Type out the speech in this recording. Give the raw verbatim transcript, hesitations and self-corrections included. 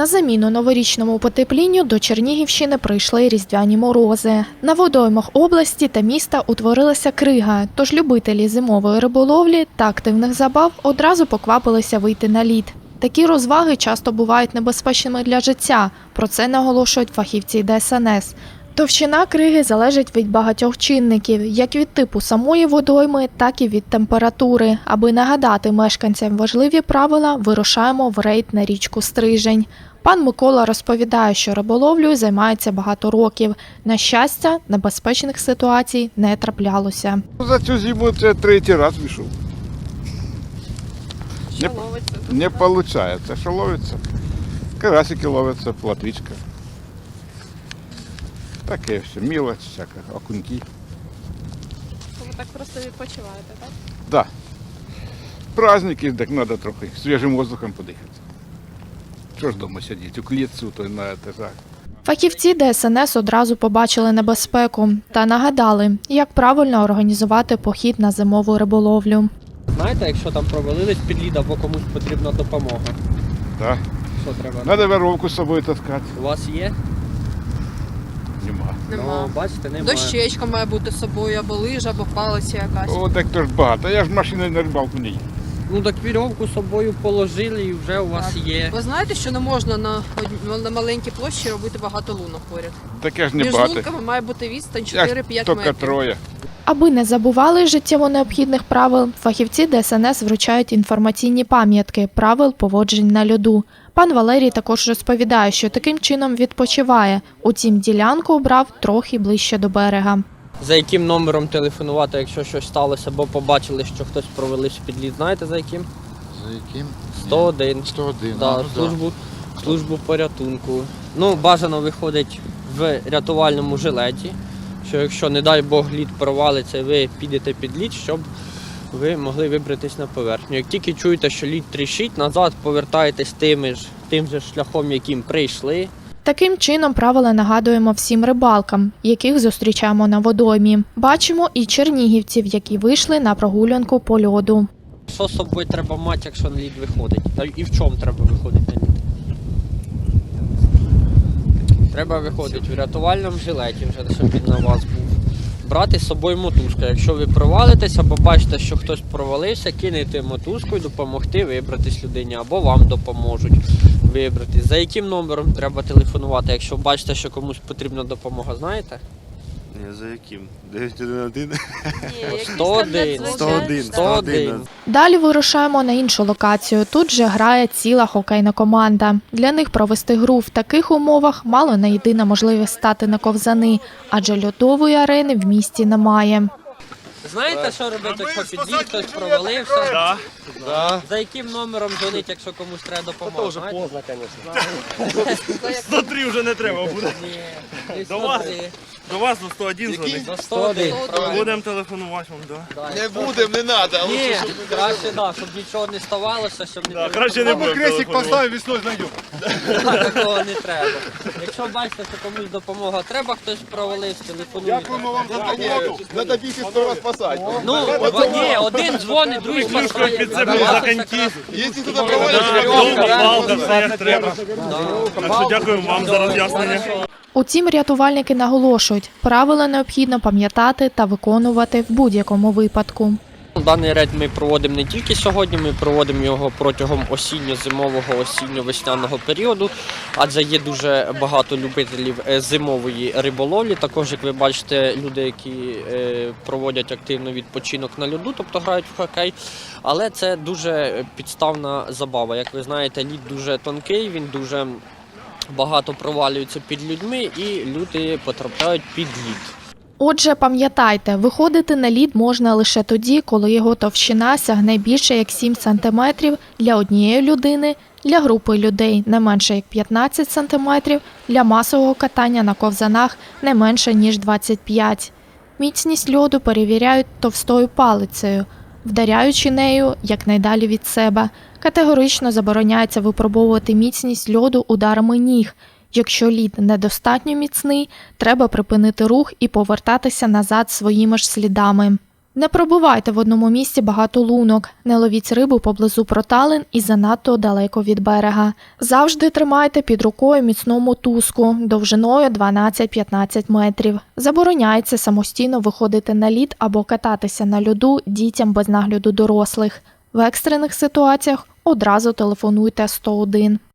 На заміну новорічному потеплінню до Чернігівщини прийшли різдвяні морози. На водоймах області та міста утворилася крига, тож любителі зимової риболовлі та активних забав одразу поквапилися вийти на лід. Такі розваги часто бувають небезпечними для життя, про це наголошують фахівці Де Ес Ен Ес. Товщина криги залежить від багатьох чинників, як від типу самої водойми, так і від температури. Аби нагадати мешканцям важливі правила, вирушаємо в рейд на річку Стрижень. Пан Микола розповідає, що риболовлею займається багато років. На щастя, небезпечних ситуацій не траплялося. За цю зиму це третій раз вийшов. Що ловиться? Не виходить. Що ловиться? Карасики ловиться, платвичка. Таке все, мілоч, всяка, окуньки. Ви так просто відпочиваєте, так? Да. Праздники, так треба трохи свіжим воздухом подихати. Що ж вдома сидіти, у клітці, то на етажах. Фахівці Де Ес Ен Ес одразу побачили небезпеку та нагадали, як правильно організувати похід на зимову риболовлю. Знаєте, якщо там провалились під лід або комусь потрібна допомога? Так. Що треба? Треба веревку з собою таскати. У вас є? Нема. Нема. Ну, бачите, немає. Дощечка має бути з собою, або лижа, або палиця якась. О, так то ж багато. Я ж машиною на рибалку не їду. Ну так вірьовку з собою положили і вже у вас Так. є. Ви знаєте, що не можна на, од- на маленькій площі робити багато лунок поряд? Таке ж не Між багато. лунками має бути відстань Я ж чотири-п'ять тільки метрів. троє. Аби не забували життєво необхідних правил, фахівці Де Ес Ен Ес вручають інформаційні пам'ятки правил поводжень на льоду. Пан Валерій також розповідає, що таким чином відпочиває. Утім, ділянку обрав трохи ближче до берега. За яким номером телефонувати, якщо щось сталося, або побачили, що хтось провалився під лід, знаєте за яким? За яким? сто один. сто один. Да, а, ну, службу, службу порятунку. Ну, бажано виходить в рятувальному жилеті, що якщо, не дай Бог, лід провалиться, ви підете під лід, щоб ви могли вибратись на поверхню. Як тільки чуєте, що лід тріщить, назад повертаєтесь тим ж, тим же шляхом, яким прийшли. Таким чином правила нагадуємо всім рибалкам, яких зустрічаємо на водоймі. Бачимо і чернігівців, які вийшли на прогулянку по льоду. Що з собою треба мати, якщо на лід виходить? Та і в чому треба виходити на лід? Треба виходити в рятувальному жилеті, вже, щоб він на вас був. Брати з собою мотузку. Якщо ви провалитесь або бачите, що хтось провалився, кинете мотузку і допомогти вибратись людині, або вам допоможуть вибратись. За яким номером треба телефонувати, якщо бачите, що комусь потрібна допомога, знаєте? Ні, за яким? дев'ять один один? Ні, якісь сто один. там сто один. сто один. Далі вирушаємо на іншу локацію. Тут же грає ціла хокейна команда. Для них провести гру в таких умовах мало не єдина можливість стати на ковзани, адже льодової арени в місті немає. Знаєте, що робити, якщо під лід хтось провалився? Да. Да. За яким номером дзвонить, якщо комусь треба допомога? Знаєте? сто три вже не треба буде. Ні, десь До сто вас? три. До вас до сто один дзвонить. До сто один. правильно. Будемо телефонувати вам, да. Да. Не будемо, не треба. Ні, краще, да, щоб нічого не ставалося, щоб не Да, краще не будемо телефонувати. весною знайдемо. Так, такого не треба. Якщо бачите, що комусь допомога треба, хтось провалився, телефонуйте. вам за допомогу. Треба бігти сперва спасати. Ну, в- ні, один дзвонить, другий Клюшкою спасає. підцепив А за ваша коньки. якраз- Якщо туди Да, провалиться, Довга палка, все як треба. Да. Так що дякуємо вам за роз'яснення. Утім, рятувальники наголошують, правила необхідно пам'ятати та виконувати в будь-якому випадку. Даний рейд ми проводимо не тільки сьогодні, ми проводимо його протягом осінньо-зимового, осінньо-весняного періоду, адже є дуже багато любителів е, зимової риболовлі. Також, як ви бачите, люди, які е, проводять активно відпочинок на льоду, тобто грають в хокей. Але це дуже підставна забава. Як ви знаєте, лід дуже тонкий, він дуже багато провалюється під людьми і люди потрапляють під лід. Отже, пам'ятайте, виходити на лід можна лише тоді, коли його товщина сягне більше як сім сантиметрів для однієї людини, для групи людей не менше як п'ятнадцять сантиметрів, для масового катання на ковзанах не менше ніж двадцять п'ять. Міцність льоду перевіряють товстою палицею, вдаряючи нею якнайдалі від себе. Категорично забороняється випробовувати міцність льоду ударами ніг. Якщо лід недостатньо міцний, треба припинити рух і повертатися назад своїми ж слідами. Не пробувайте в одному місці багато лунок, не ловіть рибу поблизу проталин і занадто далеко від берега. Завжди тримайте під рукою міцну мотузку довжиною дванадцять-п'ятнадцять метрів. Забороняється самостійно виходити на лід або кататися на льоду дітям без нагляду дорослих. В екстрених ситуаціях одразу телефонуйте сто один.